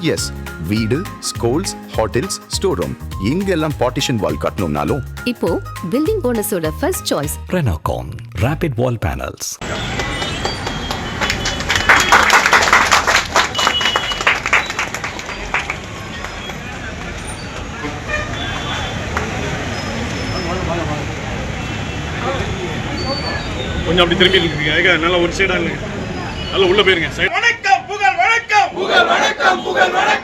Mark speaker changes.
Speaker 1: S, வீடு, schools, hotels, store room இங்கெல்லாம் partition wall கட்டணும்னாலும்
Speaker 2: இப்போ பில்டிங் போனஸோட first choice
Speaker 3: Renocon Rapid Wall Panels.
Speaker 4: கொஞ்சம் அப்படி திரும்பி இருக்கீங்க, நல்லா ஒரு சைடா இல்லைங்க, நல்லா உள்ள போயிருங்க.
Speaker 5: வணக்கம் புகழ் வணக்கம் புகழ் வணக்கம் புகழ் வணக்கம்.